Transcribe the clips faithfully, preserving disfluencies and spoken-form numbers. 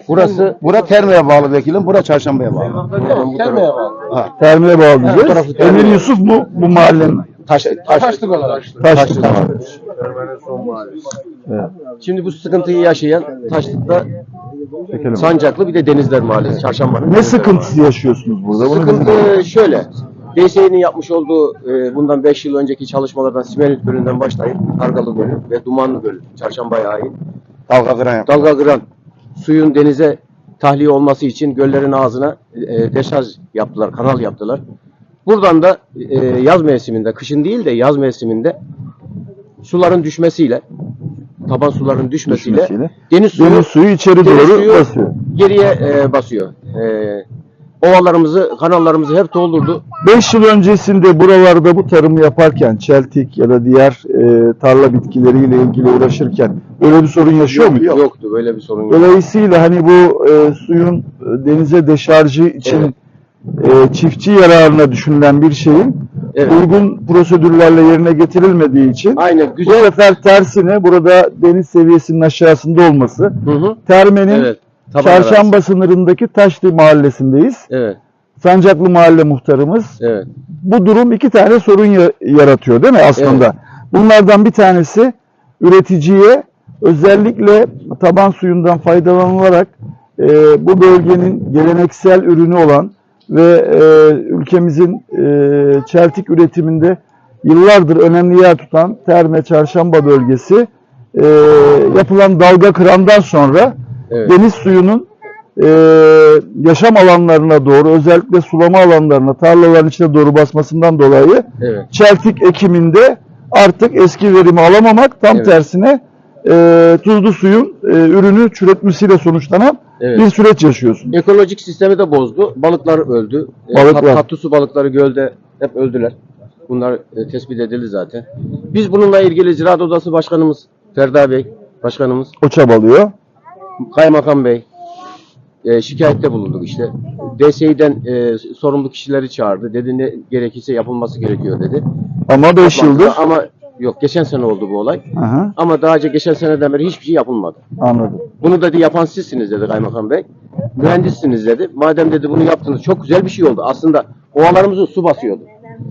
Burası, bura Terme'ye bağlı vekilim, bura Çarşamba'ya bağlı. Termeye bağlı. Ha. Termiye bağlı bu diyeceğiz. tarafı Terme. Emir Yusuf mu bu mahallenin? Taş, taş, Taşlık olarak. Taşlık Taşlık. mahallesi. Evet. Şimdi bu sıkıntıyı yaşayan Taşlık'ta Çekelim. Sancaklı bir de Denizler Mahallesi, Çarşamba'nın. Ne sıkıntısı yaşıyorsunuz burada? Bunu Sıkıntı şöyle. D S E'nin yapmış olduğu e, bundan beş yıl önceki çalışmalardan Simerit Gölü'nden başlayıp Kargalı Gölü ve Dumanlı Gölü, Çarşamba'ya ait dalga kıran yap. dalga kıran suyun denize tahliye olması için göllerin ağzına e, deşarj yaptılar, kanal yaptılar. Buradan da e, yaz mevsiminde, kışın değil de yaz mevsiminde suların düşmesiyle, taban suların düşmesiyle, Düşmesiyle. deniz suyu, Deniz suyu içeri deniz doğru suyu basıyor. geriye e, basıyor. E, ovalarımızı, kanallarımızı hep doldurdu. beş yıl öncesinde buralarda bu tarımı yaparken çeltik ya da diğer e, tarla bitkileriyle ilgili uğraşırken böyle bir sorun yaşıyor mu? Yok, yoktu, böyle bir sorun yok. Dolayısıyla hani bu e, suyun e, denize deşarjı için e, çiftçi yararına düşünülen bir şeyin Evet. uygun prosedürlerle yerine getirilmediği için Aynen, bu güzel. sefer tersine burada deniz seviyesinin aşağısında olması, Hı hı. Terme'nin Evet. taban Çarşamba arası. sınırındaki Taşlı mahallesindeyiz. Evet, Sancaklı mahalle muhtarımız. evet. Bu durum iki tane sorun ya- yaratıyor değil mi aslında? Evet. Bunlardan bir tanesi üreticiye özellikle taban suyundan faydalanılarak e, bu bölgenin geleneksel ürünü olan ve e, ülkemizin e, çeltik üretiminde yıllardır önemli yer tutan Terme Çarşamba bölgesi e, yapılan dalga kırandan sonra Evet. deniz suyunun e, yaşam alanlarına doğru, özellikle sulama alanlarına, tarlaların içine doğru basmasından dolayı Evet. çeltik ekiminde artık eski verimi alamamak, tam Evet. tersine e, tuzlu suyun e, ürünü çürütmesiyle sonuçlanan Evet. bir süreç yaşıyorsun. Ekolojik sistemi de bozdu. Balıklar öldü. E, Balıklar. tat- Tatlı su balıkları gölde hep öldüler. Bunlar e, tespit edildi zaten. Biz bununla ilgili Ziraat Odası Başkanımız Ferda Bey, Başkanımız, O çabalıyor. Kaymakam Bey e, şikayette bulunduk işte. D S İ'den e, sorumlu kişileri çağırdı. Dedi ne gerekirse yapılması gerekiyor dedi. Ama beş yıldır. Ama yok, geçen sene oldu bu olay. Aha, Ama daha önce geçen seneden beri hiçbir şey yapılmadı. anladım. Bunu dedi yapan sizsiniz dedi Kaymakam Bey. Mühendissiniz dedi. Madem dedi bunu yaptınız, çok güzel bir şey oldu. Aslında ovalarımızı su basıyordu.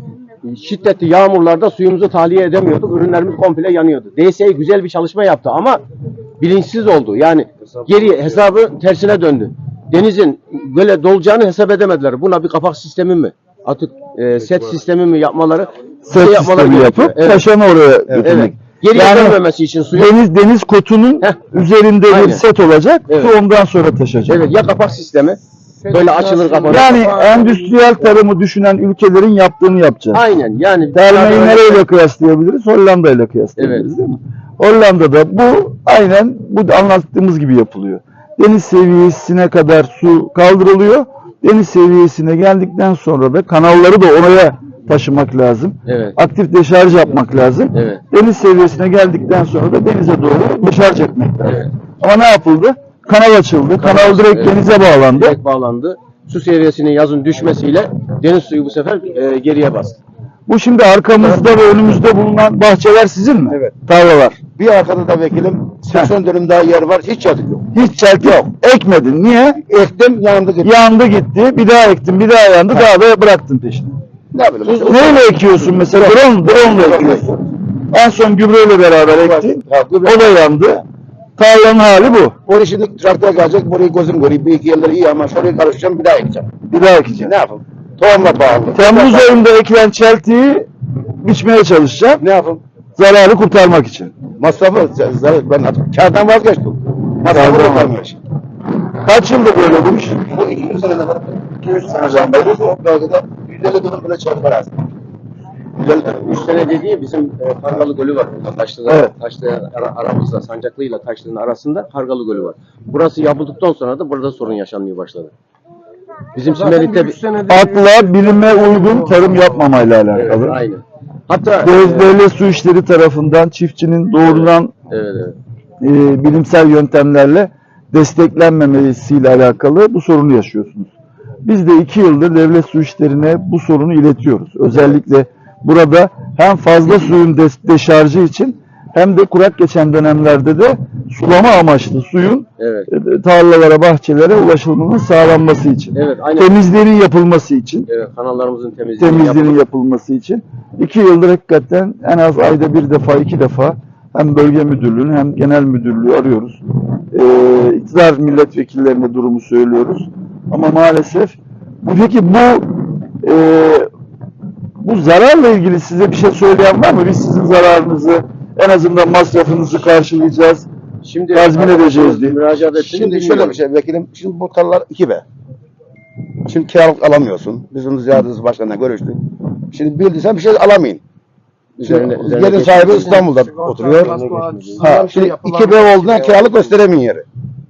Şiddetli yağmurlarda suyumuzu tahliye edemiyorduk. Ürünlerimiz komple yanıyordu. D S E güzel bir çalışma yaptı ama bilinçsiz oldu. Yani geriye hesabı tersine döndü. Denizin böyle dolacağını hesap edemediler. Buna bir kapak sistemi mi? Artık e, set sistemi mi yapmaları? bir Set şey yapmaları sistemi gerekiyor. yapıp taşanı oraya Evet. götürmek. Geriye Yani dönmemesi için suyu. Deniz deniz kotunun Heh. üzerinde bir Aynen. set olacak. Evet. Su ondan sonra taşacak. Evet, ya kapak sistemi. Böyle açılır kapanır. Yani endüstriyel tarımı düşünen ülkelerin yaptığını yapacağız. Aynen yani. Termeyi nereyle kıyaslayabiliriz? Hollanda ile kıyaslayabiliriz, Evet. değil mi? Hollanda'da bu aynen bu anlattığımız gibi yapılıyor. Deniz seviyesine kadar su kaldırılıyor. Deniz seviyesine geldikten sonra da kanalları da oraya taşımak lazım. Evet. Aktif deşarj yapmak lazım. Evet. Deniz seviyesine geldikten sonra da denize doğru deşarj etmek lazım. Evet. Ama ne yapıldı? Kanal açıldı. Kanal, Kanal, direkt evet. denize bağlandı. Direkt bağlandı. Su seviyesinin yazın düşmesiyle deniz suyu bu sefer e, geriye bastı. Bu şimdi arkamızda ve önümüzde bulunan bahçeler sizin mi? Evet. Tarlalar. Bir arkada da vekilim seksen dönüm daha yer var, hiç yazık yok. Hiç çeltik yok. Ekmedin. Niye? Ektim, yandı gitti. Yandı gitti. Bir daha ektin. Bir daha yandı. Daha da bıraktın peşine. Ne bileyim. işte. Neyle ekiyorsun mesela? Drone, drone ile ekiyorsun. En son gübreyle beraber ektin. Ha, gübre. O da yandı. Tarlanın hali bu. Oraya şimdi traktör gelecek, burayı gözüm göreyim. Bir iki yerleri iyi ama şurayı karıştıracağım, bir daha ekeceğim. Bir daha ekeceksin. Ne yapayım? Tohumla bağlı. Temmuz ayında ekilen çeltiği biçmeye çalışacağım. Ne yapayım? Zararı kurtarmak için. Masrafı, z- zarar- ben artık kârdan vazgeçtim. Masrafı Kârdan kurtarmış. Kaç yıldır böyle bu iş? Bu iki yüz seneden iki yüz seneden beri o bölgede yüz elli dönüm bile çalışma lazım. yüz elli dönüm. üç sene dediği bizim e, Kargalı Gölü var burada. Taşlı'da, Evet. Taşlı ara, aramızda, Sancaklı ile Taşlı'nın arasında Kargalı Gölü var. Burası yapıldıktan sonra da burada sorun yaşanmaya başladı. Bizim Simerit'te bir... Akla, bilime uygun tarım yapmamayla alakalı. Evet, aynen. Hatta... Devlet devlet su işleri tarafından çiftçinin doğrudan Evet, evet. e, bilimsel yöntemlerle desteklenmemesiyle alakalı bu sorunu yaşıyorsunuz. Biz de iki yıldır devlet su işlerine bu sorunu iletiyoruz. Özellikle burada hem fazla suyun de- deşarjı için hem de kurak geçen dönemlerde de sulama amaçlı suyun Evet. e, tarlalara, bahçelere ulaşılmasının sağlanması için. Evet, aynen. Temizliğinin yapılması için. Evet, kanallarımızın temizliğini Temizliğinin yapalım. yapılması için. iki yıldır hakikaten en az ayda bir defa, iki defa hem bölge müdürlüğünü hem genel müdürlüğü arıyoruz. Ee, iktidar milletvekillerine durumu söylüyoruz. Ama maalesef bu, peki bu e, bu zararla ilgili size bir şey söyleyen var mı? Biz sizin zararınızı, en azından masrafınızı karşılayacağız. Şimdi Tazmin edeceğiz diye. müracaat ettiğini Şimdi bilmiyorum. şöyle bir şey vekilim. Şimdi bu tarlalar iki be. Şimdi kiralık alamıyorsun. Bizim ziyaretimiz başkanına görüştük. Şimdi bildiysen bir şey alamayın. Üzerine- Şimdi üzerine yerin sahibi geçmiş. İstanbul'da oturuyor. Ha, şimdi iki be olduğundan kiralık gösteremeyin yeri.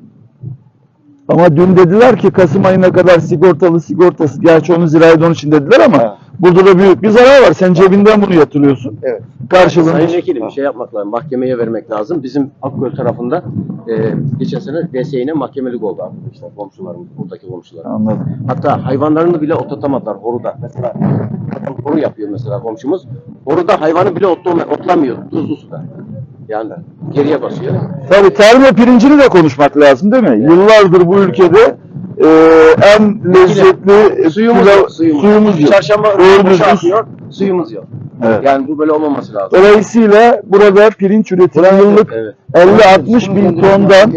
Ama dün dediler ki Kasım ayına kadar sigortalı sigortası, gerçi onu zirayet onun için dediler ama Ha. burada da büyük bir zarar var. Sen cebinden bunu yatırıyorsun. Evet. Karşılığında. Sayın Vekilim bir şey yapmak lazım. Mahkemeye vermek lazım. Bizim Akgöl tarafında e, geçen sene D S İ'ne mahkemelik oldu arkadaşlar. Komşularımız, buradaki komşular. Anladım. Hatta hayvanlarını bile otlatamadılar horuda. Mesela kadın horu yapıyor mesela komşumuz. Horuda hayvanı bile otlama, otlamıyor tuzlu suda. Yani geriye basıyor. Tabii tarım ve pirincini de konuşmak lazım değil mi? Yıllardır bu ülkede e, en lezzetli Suyumuz pilav- yok. Suyumuz, suyumuz yok. Çarşamba Doğru boşa düzgün- akıyor. Suyumuz yok. Evet. Yani bu böyle olmaması lazım. Dolayısıyla burada pirinç üretimi yıllık Evet. elli altmış bin tondan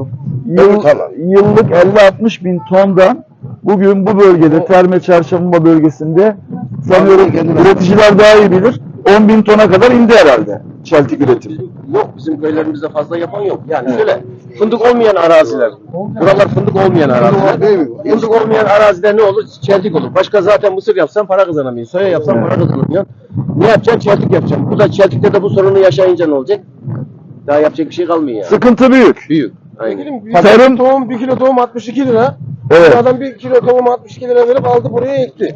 yıl, tarla. yıllık elli altmış bin tondan bugün bu bölgede Terme Çarşamba bölgesinde sanıyorum üreticiler daha iyi bilir on bin tona kadar indi herhalde çeltik üretimi. Bizim, yok bizim köylerimizde fazla yapan yok. Yani şöyle fındık olmayan araziler. Buralar fındık olmayan araziler. Değil mi? Fındık olmayan arazide ne olur? Çeltik olur. Başka zaten mısır yapsan para kazanamıyorsun. Soya yapsan para kazanamıyorsun. Ne yapacaksın? Çeltik yapacaksın. Bu da çeltikte de bu sorunu yaşayınca ne olacak? Daha yapacak bir şey kalmıyor yani. Sıkıntı büyük. Büyük. Aynen. Vekilim, bir Tarım- tohum, bir kilo tohum altmış iki lira. Evet. Bu adam bir kilo tohum altmış iki lira verip aldı buraya ekti.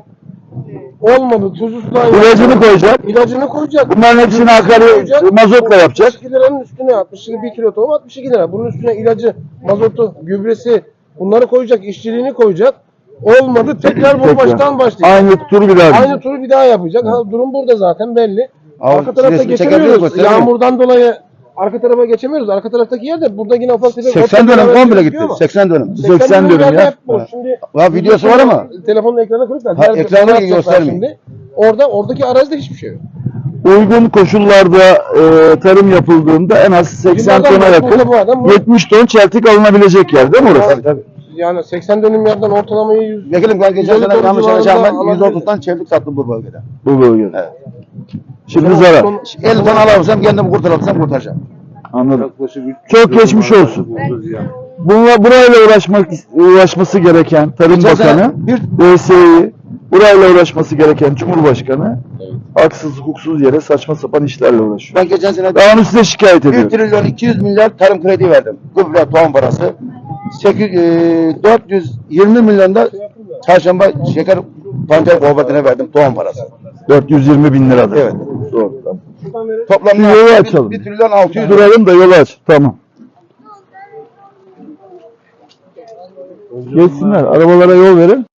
Olmadı. Tuzlu sudan İlacını koyacak. İlacını koyacak. Bunların hepsini akaryakıt mazotla yapacak. altmış iki liranın üstüne altmış iki, bir kilo tohum altmış iki lira. Bunun üstüne ilacı, mazotu, gübresi bunları koyacak, işçiliğini koyacak. Olmadı. Tekrar bu Tekrar. baştan başlayacak. Aynı tur bir daha. Aynı turu bir daha yapacak. Ha, durum burada zaten belli. Abi, Arka tarafta resmi çekebiliyor geçemiyoruz. musun? Çekebiliyor. Yağmurdan dolayı arka tarafa geçemiyoruz. Arka taraftaki yerde burada yine ufak tefek seksen ot dönüm beraber komple gözüküyor gitti. ama seksen dönüm. seksen dönüm yerde ya. hep boş. Ha. Şimdi Ha, videosu var ama. telefonun ekrana koyup da Ha, diğer ekranı fotoğraf yapacaklar göstermeyin. şimdi. Orada oradaki arazide hiçbir şey yok. Uygun koşullarda e, tarım yapıldığında en az seksen Şimdi adam tona bak, yakın burada bu adam bu- yetmiş ton çeltik alınabilecek yer değil mi orası? Tabii tabii. Yani seksen dönüm yerden ortalamayı yüz Vekilim ben geçen yüz elli sene ton yanlış civarında anlayacağım ben yüz alabiliriz. otuzdan çevik sattım bu bölgede. Bu bölgede. Evet. Şimdi zarar. elli ton alabilsem kendimi kurtarabilsem kurtaracağım. Anladım. Çok geçmiş olsun. Bununla, burayla uğraşmak uğraşması gereken Tarım Geçen sene Bakanı, bir- D S İ, burayla uğraşması gereken Cumhurbaşkanı haksız hukuksuz yere saçma sapan işlerle uğraşıyor. Ben geçen sene Ben onu size şikayet bir ediyorum. trilyon iki yüz milyar tarım kredi verdim. Gübre, tohum parası. sekiz, e, dört yüz yirmi milyon da çarşamba şeker pancar kooperatifine verdim tohum parası. dört yüz yirmi bin liradır. Evet. Doğru. Tamam. Toplamda Bir yolu bir, açalım. bir trilyon altı yüz. Duralım da yolu aç. Tamam. Geçsinler. Arabalara yol verin.